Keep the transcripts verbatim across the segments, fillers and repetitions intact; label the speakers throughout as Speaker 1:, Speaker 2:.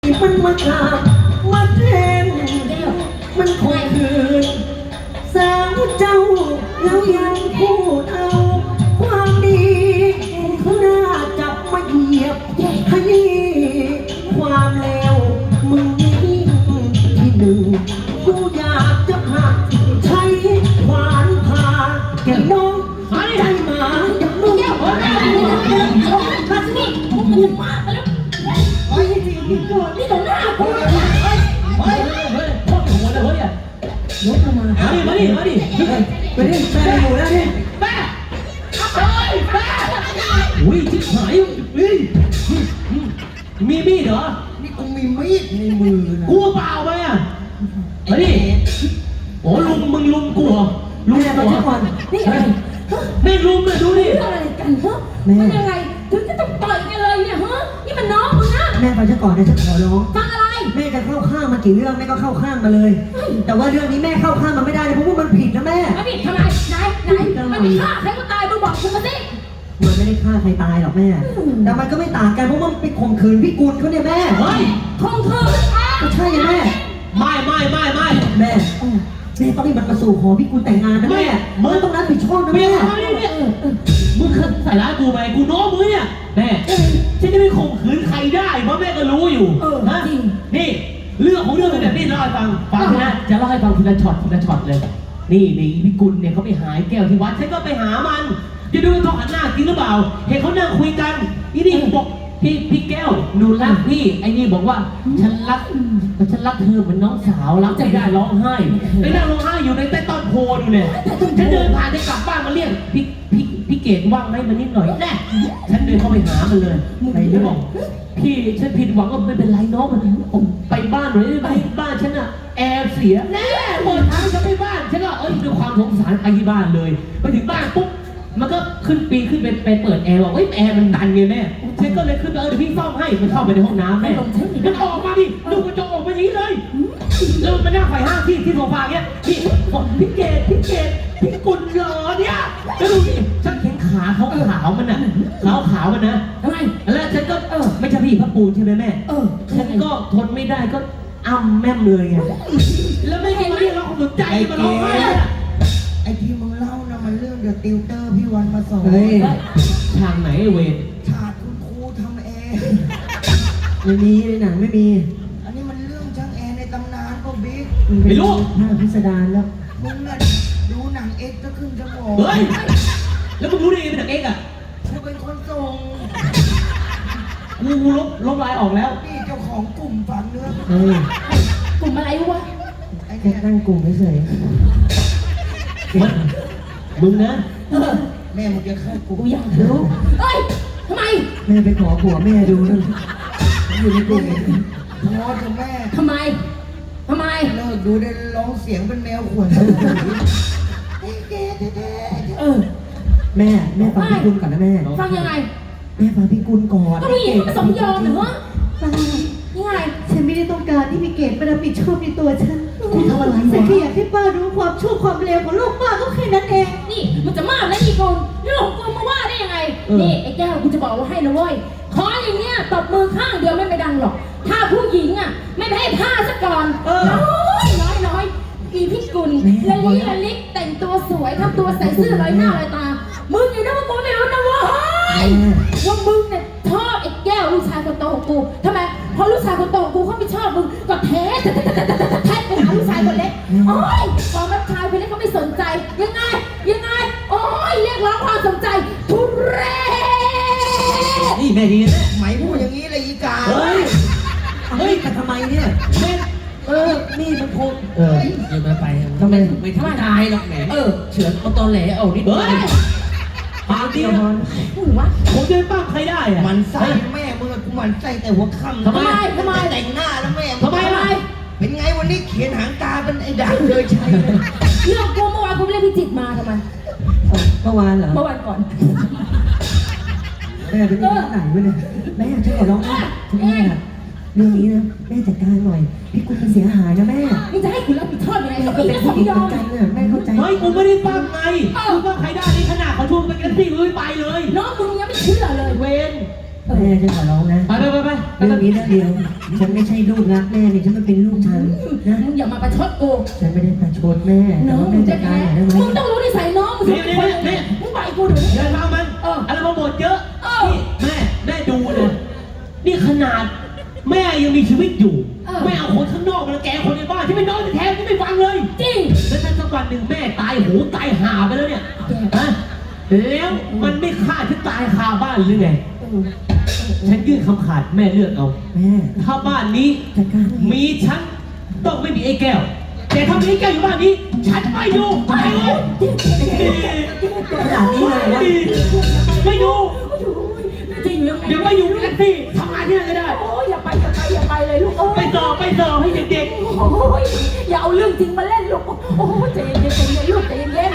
Speaker 1: มันมาขาดมาแทนมันคงคืนสาวเจ้าแล้วยังพูดเอาความดีเขาน่าจับมาเหยียบให้ความเลวมึงนี่ที่หนึ่งกูอยากจะหักใช้ขวานผ่าแก่น้องใจหมาอย่างมึงมาสิมึงมาแล้วเฮ้ยจริงๆนี่ต่อหน้ากูเลยเฮ้ยเฮ้ยเฮ้ยพ่อหัวเลยเฮ้ยอ่ะยกมามาดิมาดิมาดิไปดิแม่อยู่แล้วดิแม่เฮ้ยแม่อุ้ยชิบหายอุ้ยมีมีดเหรอนี่กูมีมีดในมือนะกูเปล่าไปอ่ะมาดิโอ้ลุงมึงลุงกูเหรอลุงกูเหรอนี่อะไรแม่ลุงเลยดูดิอะไรกันฮะมันยังไงถึงจะต้องต่อยกันเลยเนี่ยฮะนี่มันน้องมึงนะแม่ฟังฉันก่อนนะฉันขอร้องฟังอะไรแม่จะเข้าข้างมากี่เรื่องแม่ก็เข้าข้างมาเลยแต่ว่าเรื่องนี้แม่เข้าข้างมันไม่ได้เลยเพราะว่ามันผิดนะแม่ไม่ผิดทำไมไหนไหนมันไม่ฆ่าใครก็ตายมึงบอกกูมาสิมันไม่ได้ฆ่าใครตายหรอกแม่แต่มันก็ไม่ต่างกันเพราะมันไปข่มขืนพี่กุลเขาเนี่ยแม่เฮ้ยข่มขืนก็ใช่ไงแม่ไม่ไม่ไม่ไม่แม่แม่ต้องให้มันมาสู่ขอพี่กุลแต่งงานนะแม่มึงต้องรับผิดชอบนะแม่มึงเคยใส่ร้ายกูไหมกูน้องมึงเนี่ยแม่ฉันจะไม่ข่มขืนใครได้เพราะแม่ก็รู้อยู่นะนี่เรื่องของเรื่องเป็นแบบนี้เล่าให้ฟังฟังนะจะเล่าให้ฟังทีละช็อตทีละช็อตเลยนี่นี่พี่กุลเนี่ยเขาไปหาแก้วที่วัดฉันก็ไปหามันจะดูว่าเขาหันหน้าจริงหรือเปล่าเห็นเขานั่งคุยกันนี่นี่บอกพี่พี่แก้วหนูรักพี่ไอ้นี่บอกว่าฉันรักฉันรักเธอเหมือนน้องสาวรักใจได้ร้องไห้ไปนั่งร้องไห้อยู่ในใต้ต้นโพดูเนี่ยฉันเดินผ่านได้กลับบ้านมาเรียกพี่พี่พี่เกดว่างไหมมานิดหน่อยแน่ฉันเดินเข้าไปหามันเลยไอ้นี่บอกพี่ฉันผิดหวังก็ไม่เป็นไรน้องผมไปบ้านหน่อยได้ไหมบ้านฉันอะแอร์เสียแน่เปิดทางจะไปบ้านฉันก็เอ้ยด้วยความสงสารไปที่บ้านเลยไปถึงบ้านปุ๊บมันก็ขึ้นปีขึ้นไปไปเปิดแอร์บอกเฮ้ยแอร์มันดันไงแม่ฉันก็เลยขึ้นไปเออเดี๋ยวพี่ซ่อมให้มันเข้าไปในห้องน้ำแม่มันออกมาดิดูกระจกออกมาอย่างนี้เลยแล้วมันนั่งไขว่ห้างที่ที่โซฟาเงี้ยพี่บอกพี่เกดพี่เกดพี่กุลเหรอเนี่ยแล้วดูดิฉันเห็นขาเขาขาวมันน่ะขาวขาวมันนะทำไมแล้วฉันก็เออไม่ใช่พี่พระปูนใช่ไหมแม่เออฉันก็ทนไม่ได้ก็อ้ำแม่มเลยไงแล้วไม่เห็นเรียกร้องสนใจมาร้องไห้
Speaker 2: ไอ้ที่มึงเล่านะมันเรื่องเดอะติวเตอร์พี่วันมาสอน
Speaker 1: เฮ้ยทางไหนเวร
Speaker 2: ฉากคุณครูทำแอร์
Speaker 1: ไม่มีในหนังไม่มี
Speaker 2: อันนี้มันเรื่องช่างแอร์ในตำนานก็บิ๊ก
Speaker 1: ไม่รู้ภาพพิสดารแล้ว
Speaker 2: มึงน่ะดูหนังเอ็กซ์ก็ขึ้นจะบอก
Speaker 1: เฮ้ยแล้วมึงรู้ได้ไงเป็นหนังเอ็กซ์อ่ะ
Speaker 2: กูเป็นคนส่ง
Speaker 1: กูลบลบลายออกแล้ว
Speaker 2: นี่เจ้าของกลุ่มฝังเนื้อ
Speaker 1: เฮ้ย
Speaker 3: กลุ่มอะไรวะ
Speaker 1: แค่ตั้งกลุ่มเฉยมันมึงนะ
Speaker 2: แม่มึงจะเข้ากู
Speaker 3: กูอยากรู้เฮ้ยทำไม
Speaker 1: แม่ไปขอผัวแม่ดูนั่นอยู่ในกลุ่ม
Speaker 2: ท้อเถอะแม่
Speaker 3: ทำไมทำไม
Speaker 2: เลิกดูได้ร้องเสียงเป็นแมวขวน
Speaker 3: เออ
Speaker 1: แม่แม่ฟังพี่กุลก่อนนะแม่
Speaker 3: ฟังยังไง
Speaker 1: แม่ฟังพี่กุลก่อน
Speaker 3: ก็ผู้หญิงผสมยอมเหรอฟังยังไง
Speaker 4: ฉันไม่ได้ต้องการที่พี่เกดมารับผิดชอบในตัวฉัน
Speaker 1: คุณทำอะไร
Speaker 4: ฉันแค่อยากให้ป้ารู้ความชั่วความเลวของลูกป้าก็แค่นั้นเอง
Speaker 3: นี่มันจะมากแล้วอีกคนเรื่องของกูมาว่าได้ยังไงนี่ไอ้แก้วกูจะบอกว่าให้นะเว้ยขออย่างเงี้ยตบมือข้างเดียวไม่ไปดังหรอกถ้าผู้หญิงอ่ะไม่ให้ผ้าซะก่อนน้อยน้อยน้อยอีพี่กุลละลิละลิแต่งตัวสวยทำตัวใส่เสื้อลอยหน้าลอยตามึงอยู่นะว่ากูไม่รู้นะว่าว่ามึงเนี่ยชอบไอ้แก้วลูกชายคนโตของกูทำไมพอลูกชายคนโตของกูเขาไม่ชอบมึงก็แท้แท้แท้ไปหาลูกชายคนเล็กโอ้ยพอรับชายคนเล็กเขาไม่สนใจยังไงยังไงโอ้ยเรียกร้องความสนใจทุเรศ
Speaker 1: นี่แม่ดีนะ
Speaker 2: ไหมพูดอย่างนี้เลยอีกา
Speaker 1: เฮ้ยเฮ้ยแต่ทำไมเนี่ยแม่เออนี่มันโคตรเออเดี๋ยวมาไปทำไมไม่ทำตายหรอกแหมเออเฉือนเอาตอนแหลเอานิดเดียวปาเดียว
Speaker 3: มึงวะ
Speaker 1: ผมจะปั้มใครได้อะ
Speaker 2: มันใส่แม่มึงกูมันใส่แต่หัวค่ำ
Speaker 3: ทำไมทำไม
Speaker 2: แต่งหน้าแล้วแม่
Speaker 3: ทำไมทำไม
Speaker 2: เป็นไงวันนี้เขียนหางตาเป็นไอ้ด่างเลยใช่
Speaker 3: เรื่องกูเมื่อวานกูไม่ได้พิจิตมาทำไม
Speaker 1: เมื่อวานเหรอ
Speaker 3: เมื่อวานก่อน
Speaker 1: แม่เป็นที่ไหนวะเนี่ยแม่ช่วยขอร้องแม่เรื่องนี้นะแม่จัดการหน่อยพี่กุลเสียหายนะแม่
Speaker 3: มึงจะให้คุณรับผิดชอบยังไงเราเป็น
Speaker 1: ผู้หญิงเหมือนกันเนี่ยแม่เข้าใจเฮ้ยกูไม่ได้ปั้มไงกูปั้มใครได้นี่ขนาดเขาชวนไปกันที่เลยไปเลย
Speaker 3: น้องมึงยังไม่เชื่อเลย
Speaker 1: เวนแม่จะขอร้องนะ
Speaker 5: ไปไปไปไป
Speaker 1: เรื่องนี้เรื่องเดียว ฉันไม่ใช่ลูกรักแม่นี่ฉันมันเป็นลูกฉันนะ
Speaker 3: มึงอย่ามาประชดกู
Speaker 1: ฉันไม่ได้ประชดแม่แต่
Speaker 3: น้อง
Speaker 1: ว่า
Speaker 3: มึ
Speaker 1: แม่
Speaker 3: ง
Speaker 1: จั
Speaker 3: จะ
Speaker 1: ดการ
Speaker 3: แค่
Speaker 1: หน่อยได้ไหม
Speaker 3: มึงต้องรู้นิสัยน้องมึงสิเป็นคนยังไงมึงไปกูเดี๋ยวนี้
Speaker 5: อย่าทำมัน
Speaker 3: เออ
Speaker 5: อะไรมาบ่นเยอะ
Speaker 3: เออ
Speaker 5: นี่แม่ได้ดูเลยนี่ขนาดแม่ยังมีชีวิตอยู่
Speaker 3: เออ
Speaker 5: แม่เอาคนข้างนอกมาแกล้งคนในบ้านที่ไม่น้อยแท้ๆที่ไม่ฟังเลย
Speaker 3: จริง
Speaker 5: แล้วถ้าสักวันหนึ่งแม่ตายหูตายหาไปแล้วเนี่ยฮะแล้วมันไม่ฆ่าฉันตายคาบ้านหรือไง
Speaker 3: เออ
Speaker 5: ฉันยื่นคำขาดแม่เลือกเอา
Speaker 1: แม่
Speaker 5: ถ้าบ้านนี้
Speaker 1: จัดการ
Speaker 5: มีฉันต้องไม่มีไอ้แก้ว แต่ถ้ามีไอ้แก้วอยู่บ้านนี้ ฉันไม่อยู่ไปเลย
Speaker 1: ขนาดนี้เลยนะ
Speaker 5: ไม่อยู่
Speaker 3: จริงยังไง
Speaker 5: เดี๋ยวไม่อยู่แท็กซี่ทำงานที่นั่นก็ได้
Speaker 3: โอ้ยอย่าไปอย่าไปอย่าไปเลยลูกโอ้
Speaker 5: ไป
Speaker 3: ย
Speaker 5: สอบไปสอบให้เด็ก
Speaker 3: โอ้ยอย่าเอาเรื่องจริงมาเล่นลูกโอ้ยใจเย็นใจเย็นลูกใจเย็น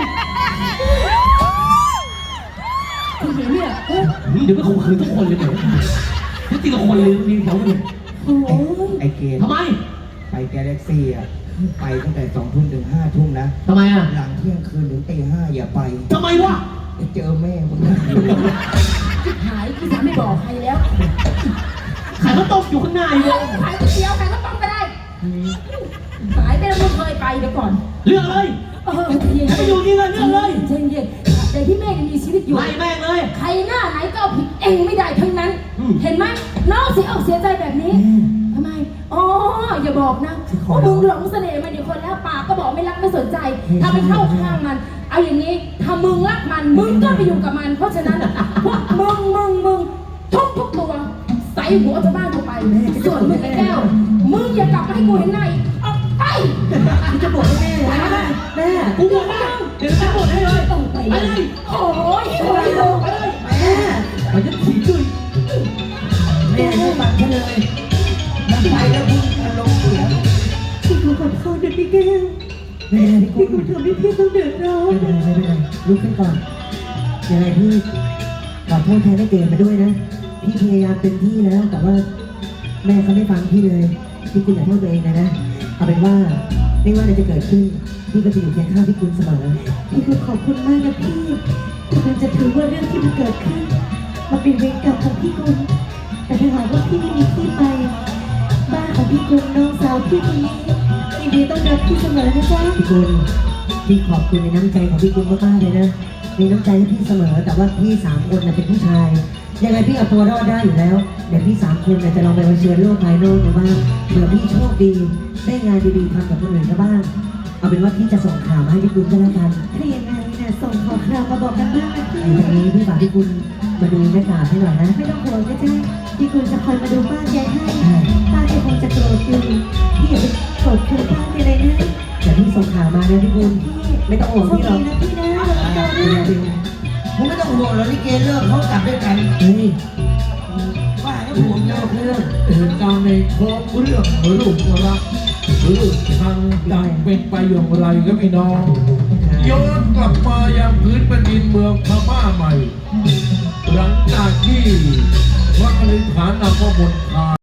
Speaker 3: คุณเห็นเนี่ยเฮ้ย
Speaker 5: ๆเดี๋ยวไม่ข่มขืนทุกคนเลยเดี๋ยวทุกทีละคนเลยมีแถวเลย
Speaker 3: โอ้ย
Speaker 2: ไอ้เกม
Speaker 5: ทำไม
Speaker 2: ไปแกาแล็กซี่อ่ะไปตั้งแต่สองทุ่มถึงห้าทุ่มนะ
Speaker 5: ทำไมอ่ะ
Speaker 2: หลังเที่ยงคืนถึงตีห้าอย่าไป
Speaker 5: ทำไมวะ
Speaker 2: เดี๋ยวเจอแม่มึงนะ
Speaker 3: หายพี่สาวไม่บอกใครแล้ว
Speaker 5: ขายข้าวต้มอยู่ข้างหน้าอยู่เลย
Speaker 3: ขายก๋วยเตี๋ยวขายข้าวต้มก็ได้ขายไปแล้วมึงเคยไปเดี๋ยวก่อน
Speaker 5: เลือกเลย
Speaker 3: เออใจเย็น
Speaker 5: ให้ไปอยู่นี่เลยเลือกเลย
Speaker 3: ใจเย็นแต่ที่แม่ยังมีชีวิตอยู่
Speaker 5: ไล่แม่งเลย
Speaker 3: ใครหน้าไหนก็เอาผิดเองไม่ได้ทั้งนั้น
Speaker 5: อืม
Speaker 3: เห็นไหมน้องเสียอกเสียใจแบบนี้ทำไมอ๋ออย่าบอกนะว่ามึงหลงเสน่ห์มันอีกคนแล้วปากก็บอกไม่รักไม่สนใจถ้าไปเข้าข้างมัน เอาอย่างนี้ถ้ามึงรักมันมึงก็ไปอยู่กับมัน เพราะฉะนั้นพวกมึงมึงมึงทุกทุกตัวใส่หัวจะบ้านกูไปส่วนมึงไอ้แก้วมึงอย่ากลับมาให้กูเห็นหน้าอีกออกไป
Speaker 1: จะบอกให้แม่นะแม่
Speaker 5: กูบอกได้เดี๋ยวจะบอกให้เลย
Speaker 3: ต้องไป
Speaker 5: ไป
Speaker 3: เล
Speaker 5: เลย ย
Speaker 3: โอ้ยโอ้ยโอ้ย
Speaker 5: ไปเลย
Speaker 1: แม่
Speaker 5: มันจะถีบด้วย
Speaker 1: แม่ไม่ฟังฉันเลย
Speaker 2: มันไปแล้วมึงอารมณ์เสีย
Speaker 4: พี่กูขอโทษด้วยพี่แก้ว
Speaker 1: ไม่เป็นไรพี่
Speaker 4: พี่
Speaker 1: กุ
Speaker 4: กู
Speaker 1: ล
Speaker 4: ทำให้พี่ต้องเดือดร้อน
Speaker 1: ไม่เป็นไรไม่เป็นไรลุกขึ้นก่อนยังไงพี่ขอโทษแทนได้เกิดมาด้วยนะ พี่พยายามเต็มที่แล้วแต่ว่าแม่เขาไม่ฟังพี่เลยพี่กุลอย่าโทษตัวเองนะนะเอาเป็นว่าไม่ว่าอะไรจะเกิดขึ้นพี่ก็จะอยู่เคียงข้างพี่กุลเสมอ
Speaker 4: พี่กูขอบคุณมากนะพี่ถึงมันจะถือว่าเรื่องที่มันเกิดขึ้นมันเป็นเวรกรรมของพี่กุลแต่ถ้าหากว่าพี่ไม่มีที่ไป บ้านของพี่กุลน้องสาวพี่คนนี้ยินดีต้อนรับพี่เสมอนะจ๊ะ
Speaker 1: พี่กุลพี่ขอบคุณในน้ำใจของพี่กุลมากๆเลยนะมีน้ำใจให้พี่เสมอ แต่ว่าพี่สามคนน่ะเป็นผู้ชายยังไงพี่เอาตัวรอดได้อยู่แล้วเดี๋ยวพี่สามคนน่ะจะลองไปเผชิญโลกภายนอกดูบ้างเผื่อพี่โชคดีได้งานดีๆทำกับคนอื่นก็บ้างเอาเป็นว่าพี่จะส่งข่าวมาให้พี่กุลก็แล้วกัน
Speaker 4: ถ้าอย่างไรเนี่ยส่งขอคราวมาบอกกันบ้างนะพี่
Speaker 1: ไอ้ตรงนี้พี่ฝากพี่กุลมาดูแม่กาให้หน่อยนะ
Speaker 4: ไม่ต้องห่วงนะจ๊ะพี่กุลจะคอยมาดูบ้านยายให้ป้าแกคงจะโกรธอยู่พี่อย่าไปโกรธเคืองป้าแกเลยนะ
Speaker 1: เดี๋ยวพี่ส่งข่าวมานะพี่กุล
Speaker 4: พี่
Speaker 1: ไม่ต้องห่วงพี่หรอก
Speaker 4: โชคดีนะพี่นะเราจะ
Speaker 1: เดี๋ยว
Speaker 4: นะ
Speaker 1: เดี๋ยว
Speaker 2: มึงไม่ต้องห่วงแล้วลิเกเลิกเขากลับด้วยกัน
Speaker 1: เฮ้ย
Speaker 2: ว่าแล้ว
Speaker 1: ห่
Speaker 2: ห่
Speaker 1: ว
Speaker 2: ว
Speaker 1: ง
Speaker 2: ง
Speaker 1: น
Speaker 2: เลิ
Speaker 1: อก
Speaker 2: ก
Speaker 1: เรื่อง
Speaker 6: เหตุการณ์ในโครงเรื่องลูกรักลูกชังดังเป็นไปอย่างไรก็พี่น้องย้อนกลับมายังพื้นแผ่นดินเมืองพม่าใหม่ หลังจากที่พระอริฐานนำพระมนทา